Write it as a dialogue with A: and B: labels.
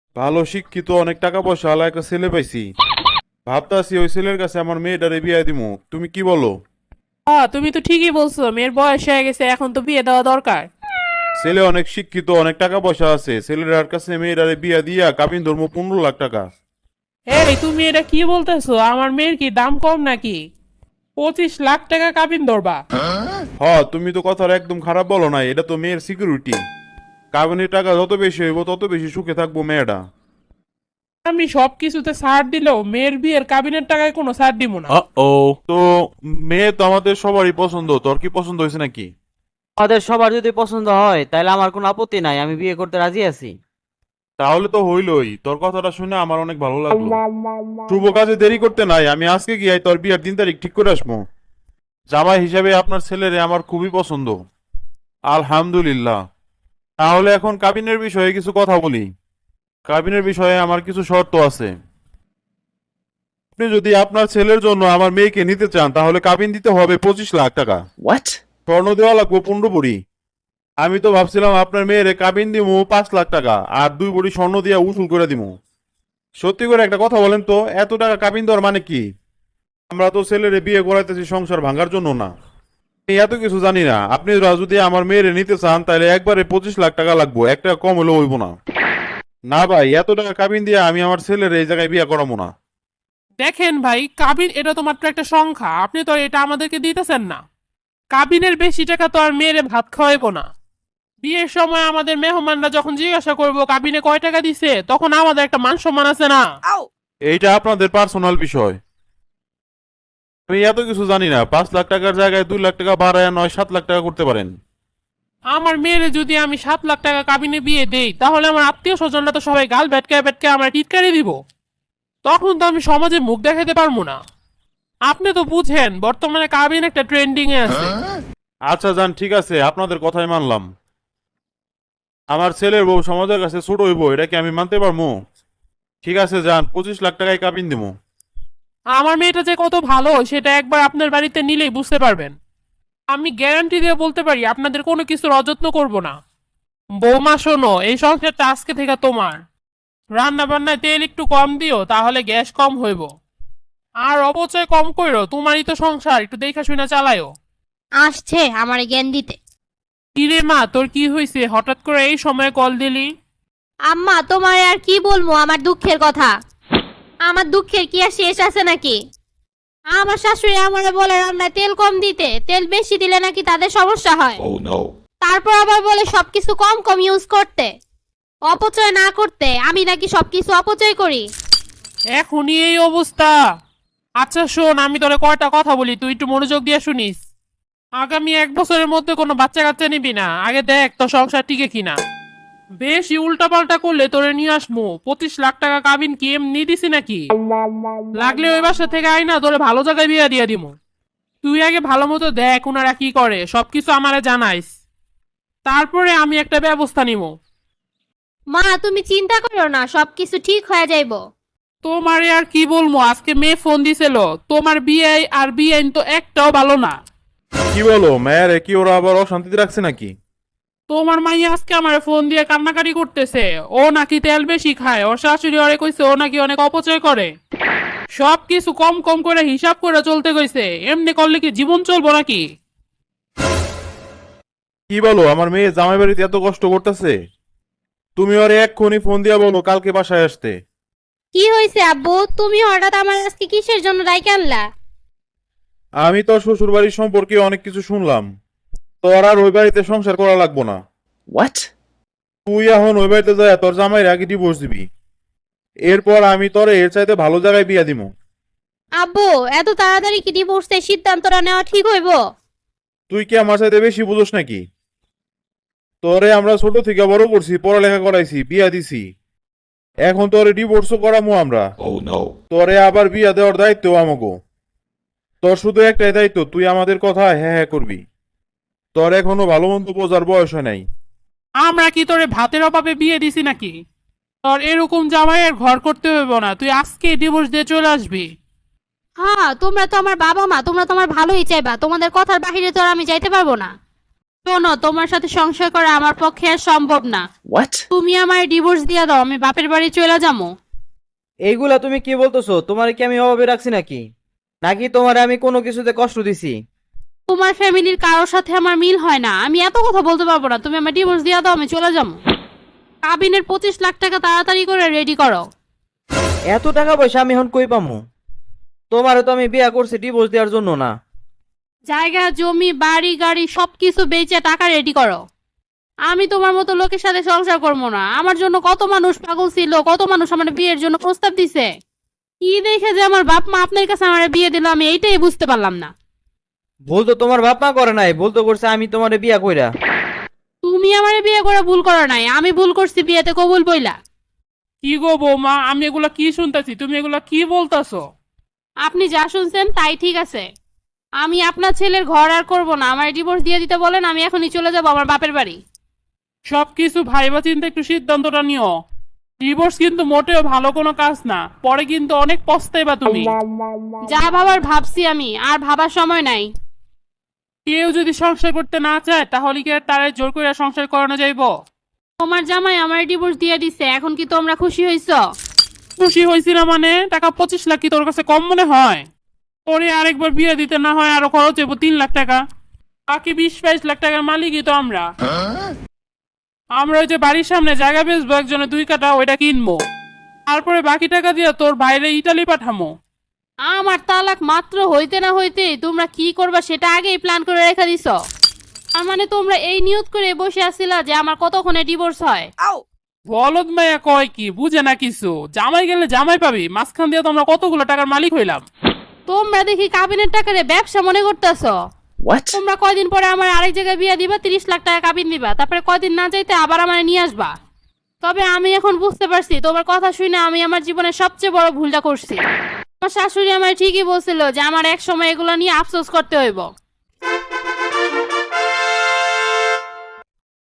A: ভালো শিক্ষিত অনেক টাকা পয়সা আলা একটা ছেলে পাইছি। ভাবতাছি ওই ছেলের কাছে আমার মেয়েটারে বিয়ে দিমু, তুমি কি বলো?
B: তুমি তো ঠিকই বলছো, মেয়ের বয়স হয়ে গেছে, এখন তো বিয়ে দেওয়া দরকার।
A: ছেলে অনেক শিক্ষিত, অনেক টাকা পয়সা আছে, ছেলের কাছে মেয়েটারে বিয়ে দিয়া কাবিন ধর্ম 15 লাখ টাকা।
B: এই তুমি এটা কি বলতেছো? আমার মেয়ের কি দাম কম নাকি? 25 লাখ টাকা কাবিন ধরবা?
A: হ, তুমি তো কথার একদম খারাপ বলো না, এটা তো মেয়ের সিকিউরিটি। কাবিনের টাকা যত বেশি হইব তত বেশি সুখে থাকবো মেয়েটা।
B: আমি সব কিছুতে ছাড় দিলেও মেয়ের বিয়ের কাবিনের টাকায় কোনো ছাড় দিব না।
A: তো মেয়ে তো আমাদের সবারই পছন্দ, তোর কি পছন্দ হয়েছে নাকি?
C: আমাদের সবার যদি পছন্দ হয় তাহলে আমার কোনো আপত্তি নাই, আমি বিয়ে করতে রাজি আছি।
A: তাহলে তো হইলই, তোর কথাটা শুনে আমার অনেক ভালো লাগলো। শুভ কাজে দেরি করতে নাই, আমি আজকে গিয়ে তোর বিয়ার 3 তারিখ ঠিক করে আসবো। জামাই হিসাবে আপনার ছেলেরে আমার খুবই পছন্দ। আলহামদুলিল্লাহ। তাহলে এখন কাবিনের বিষয়ে কিছু কথা বলি। কাবিনের বিষয়ে আমার কিছু শর্ত আছে। আপনি যদি আপনার ছেলের জন্য আমার মেয়েকে নিতে চান তাহলে কাবিন দিতে হবে 25 লাখ টাকা।
D: What?
A: স্বর্ণ দেওয়া লাগবে 15 ভরি। আমি তো ভাবছিলাম আপনার মেয়েরে কাবিন দিমু 5 লাখ টাকা আর 2 ভরি স্বর্ণ দিয়ে উসুল করে দিমু। সত্যি করে একটা কথা বলেন তো, এত টাকা কাবিন দেওয়ার মানে কি? আমরা তো ছেলেরে বিয়ে করাইতেছি সংসার ভাঙার জন্য না। আমি এত কিছু জানি না। আপনি যদি আমার মেয়েরে নিতে চান তাহলে একবারে 25 লাখ টাকা লাগবো, একটা কম হলেও হইব না। না ভাই, এত টাকা কাবিন দিয়ে আমি আমার ছেলের এই জায়গায় বিয়ে করাবো না।
B: দেখেন ভাই, কাবিন এটা তো মাত্র একটা সংখ্যা, আপনি তো এটা আমাদেরকে দিতেছেন না। কাবিনের বেশি টাকা তো আর মেয়েরে ভাত খাওয়াইবো না। বিয়ের সময় আমাদের মেহমানরা যখন জিজ্ঞাসা করবো কাবিনে কয় টাকা দিছে, তখন আমাদের একটা মান সম্মান আছে না।
A: এইটা আপনাদের পার্সোনাল বিষয়। আমি এত কিছু জানি না। 5 লাখ টাকার জায়গায় 2 লাখ টাকা বাড়ায় 7 লাখ টাকা করতে পারেন।
B: আমার মেয়েরে যদি আমি 7 লাখ টাকা কাবিনে বিয়ে দেই, তাহলে আমার আত্মীয় স্বজনরা তো সবাই গাল ভেটকায় ভেটকায় আমার টিটকারি দিব। তখন তো আমি সমাজে মুখ দেখাতে পারবো না। আপনি তো বুঝেন বর্তমানে কাবিন একটা ট্রেন্ডিং এ আছে।
A: আচ্ছা যান, ঠিক আছে, আপনাদের কথাই মানলাম। আমার ছেলের বউ সমাজের কাছে ছোট হইব, এটা কি আমি মানতে পারবো? ঠিক আছে যান, 25 লাখ টাকায় কাবিন দিব।
B: আমার মেয়েটা যে কত ভালো সেটা একবার আপনার বাড়িতে নিলেই বুঝতে পারবেন। আমি গ্যারান্টি দিয়ে বলতে পারি আপনাদের কোনো কিছুর অযত্ন করব না। বৌমা শোনো, এই সংসারটা আজকে থেকে তোমার। রান্না বান্নায় তেল একটু কম দিও, তাহলে গ্যাস কম হইব। আর অপচয় কম কইরো, তোমারই তো সংসার, একটু দেখা শুনে চালায়ও।
E: আসছে আমার জ্ঞান দিতে।
B: কিরে মা, তোর কি হয়েছে? হঠাৎ করে এই সময় কল দিলি?
E: আম্মা, তোমার আর কি বলবো আমার দুঃখের কথা। আমার দুঃখের কি আর শেষ আছে নাকি? আমার শাশুড়ি আমারে বলে রান্নায় তেল কম দিতে, তেল বেশি দিলে নাকি তাদের সমস্যা হয়।
D: Oh no.
E: তারপর আবার বলে সবকিছু কম কম ইউজ করতে, অপচয় না করতে। আমি নাকি সবকিছু অপচয় করি।
B: এখনই এই অবস্থা? আচ্ছা শোন, আমি তোরে কয়টা কথা বলি, তুই একটু মনোযোগ দিয়ে শুনিস। আগামী 1 বছরের মধ্যে কোনো বাচ্চা কাচ্চা নিবি না। আগে দেখ তো সংসার টিকে কিনা। বেশি উল্টাপাল্টা করলে তোরে নিয়ে আসবো। 25 লাখ টাকা কাবিন কি এমনি দিছি নাকি? লাগলে ওই বাসা থেকে আইনা তোরে ভালো জায়গায় বিয়ে দিয়ে দিমু। তুই আগে ভালো মতো দেখ ওনারা কি করে, সবকিছু আমারে জানাইস। তারপরে আমি একটা ব্যবস্থা নিব।
E: মা, তুমি চিন্তা করো না, সবকিছু ঠিক হয়ে যাইব।
B: তোমারে আর কি বলবো, আজকে মেয়ে ফোন দিছিল। তোমার বিয়ে আর বিয়ে তো একটাও ভালো না।
A: কি বলো, মেয়ের কি ওরা আবার অশান্তিতে রাখছে নাকি?
B: তোমার মাইয়া আজকে আমার ফোন দিয়ে কান্নাকাটি করতেছে। ও নাকি তেল বেশি খায়, ওর শাশুড়ি ওরে কইছে ও নাকি অনেক অপচয় করে। সব কিছু কম কম করে হিসাব করে চলতে কইছে। এমনি করলে কি জীবন চলবো নাকি?
A: কি বলো, আমার মেয়ে জামাই বাড়িতে এত কষ্ট করতেছে? তুমি ওরে এক্ষুনি ফোন দিয়া বলো কালকে বাসায় আসতে।
E: কি হয়েছে আব্বু? তুমি হঠাৎ আমার আজকে কিসের জন্য ডাইকে আনলা?
A: আমি তোর শ্বশুর বাড়ির সম্পর্কে অনেক কিছু শুনলাম। তোর আর ওই বাড়িতে সংসার করা লাগবো না।
D: What?
A: তুই এখন ওই বাড়িতে যায় তোর জামাইয়ের আগে ডিভোর্স দিবি। এরপর আমি তোরে এর চাইতে ভালো জায়গায় বিয়া দিমু।
E: আব্বু, এত তাড়াতাড়ি কি ডিভোর্সের সিদ্ধান্তটা নেওয়া ঠিক হইব?
A: তুই কি আমার চাইতে বেশি বুঝোস নাকি? তোরে আমরা ছোট থেকে বড় করছি, পড়ালেখা করাইছি, বিয়া দিছি। এখন তোরে ডিভোর্সও করামু আমরা।
D: Oh no.
A: তোরে আবার বিয়া দেওয়ার দায়িত্ব আমাগো। তোর শুধু একটাই দায়িত্ব, তুই আমাদের কথা হ্যাঁ হ্যাঁ করবি। তোর এখনো ভালো মন্দ বোঝার বয়স হয় নাই।
B: আমরা কি তোরে ভাতের অভাবে বিয়ে দিছি নাকি? তোর এরকম জামাইয়ের ঘর করতে হইব না, তুই আজকে ডিভোর্স দিয়ে চলে আসবি।
E: হ্যাঁ, তোমরা তো আমার বাবা মা, তোমরা তো আমার ভালোই চাইবা। তোমাদের কথার বাহিরে তো আর আমি যাইতে পারবো না। শোনো, তোমার সাথে সংসার করা আমার পক্ষে আর সম্ভব না।
D: What?
E: তুমি আমার ডিভোর্স দিয়ে দাও, আমি বাপের বাড়ি চলে যাবো।
C: এইগুলা তুমি কি বলতেছো? তোমার কি আমি অভাবে রাখছি নাকি? নাকি তোমারে আমি কোনো কিছুতে কষ্ট দিছি?
E: তোমার ফ্যামিলির কারোর সাথে আমার মিল হয় না, আমি এত কথা বলতে পারবো না। তুমি আমার ডিভোর্স দিয়ে দাও, আমি চলে যাবো। কাবিনের 25 লাখ টাকা তাড়াতাড়ি করে রেডি করো।
C: এত টাকা পয়সা আমি এখন কই পামু? তোমারে তো আমি বিয়া করছি ডিভোর্স দেওয়ার জন্য না।
E: জায়গা জমি বাড়ি গাড়ি সবকিছু বেচে টাকা রেডি করো। আমি তোমার মতো লোকের সাথে সংসার করবো না। আমার জন্য কত মানুষ পাগল ছিল, কত মানুষ আমার বিয়ের জন্য প্রস্তাব দিছে। কি দেখে যে আমার বাপ মা আপনার কাছে আমার বিয়ে দিল, আমি এইটাই বুঝতে পারলাম না।
C: ভুল তো তোমার বাপ মা করে নাই, ভুল তো করছে আমি তোমারে বিয়া কইরা।
E: তুমি আমার বিয়ে করে ভুল করো নাই, আমি ভুল করছি বিয়েতে কবুল বইলা।
B: কি গো বৌমা, আমি এগুলা কি শুনতেছি? তুমি এগুলা কি বলতাছো?
E: আপনি যা শুনছেন তাই ঠিক আছে। আমি আপনার ছেলের ঘর আর করবো না, আমার ডিভোর্স দিয়ে দিতে বলেন, আমি এখনই চলে যাবো আমার বাপের বাড়ি।
B: সবকিছু ভাইবা চিন্তা একটু সিদ্ধান্তটা নিও। ডিভোর্স কিন্তু মোটেও ভালো কোনো কাজ না, পরে কিন্তু অনেক পস্তাইবা তুমি।
E: যা ভাবার ভাবছি, আমি আর ভাবার সময় নাই।
B: কেউ যদি সংসার করতে না চায় তাহলে কি আর তারে জোর করে সংসার করানো যাইব?
E: তোমার জামাই আমার ডিভোর্স দিয়ে দিছে, এখন কি তোমরা খুশি হইছো?
B: খুশি হয়েছি না মানে? টাকা 25 লাখ কি তোর কাছে কম মনে হয়? তোরে আরেকবার বিয়ে দিতে না হয় আরো খরচ হইব 3 লাখ টাকা। বাকি 20-22 লাখ টাকার মালিকই তো আমরা। আমরা ওই যে বাড়ির সামনে জায়গা বেচবো, একজনে 2 কাঠা, ওইটা কিনবো। তারপরে বাকি টাকা দিয়ে তোর বাইরে ইটালি পাঠামো।
E: আমার তালাক মাত্র হইতে না হইতে তোমরা কি করবা সেটা আগেই প্ল্যান করে রেখে দিছো। তার মানে তোমরা এই নিয়ত করে বসে আছিলা যে আমার কতক্ষণে ডিভোর্স হয়।
B: বলদ মাইয়া কয় কি বুঝে না কিছু। জামাই গেলে জামাই পাবি, মাঝখান দিয়ে তো আমরা কতগুলো টাকার মালিক হইলাম।
E: তোমরা দেখি কাবিনের টাকারে ব্যবসা মনে করতেছো।
D: What?
E: তোমরা কয়দিন পরে আমার আরেক জায়গায় বিয়ে দিবা, 30 লাখ টাকা কাবিন দিবা, তারপরে কয়দিন না যাইতে আবার আমার নিয়ে আসবা। তবে আমি এখন বুঝতে পারছি তোমার কথা শুনে আমি আমার জীবনের সবচেয়ে বড় ভুলটা করছি। আমার শাশুড়ি আমার ঠিকই বলছিল যে আমার এক সময় এগুলো নিয়ে আফসোস করতে হইব।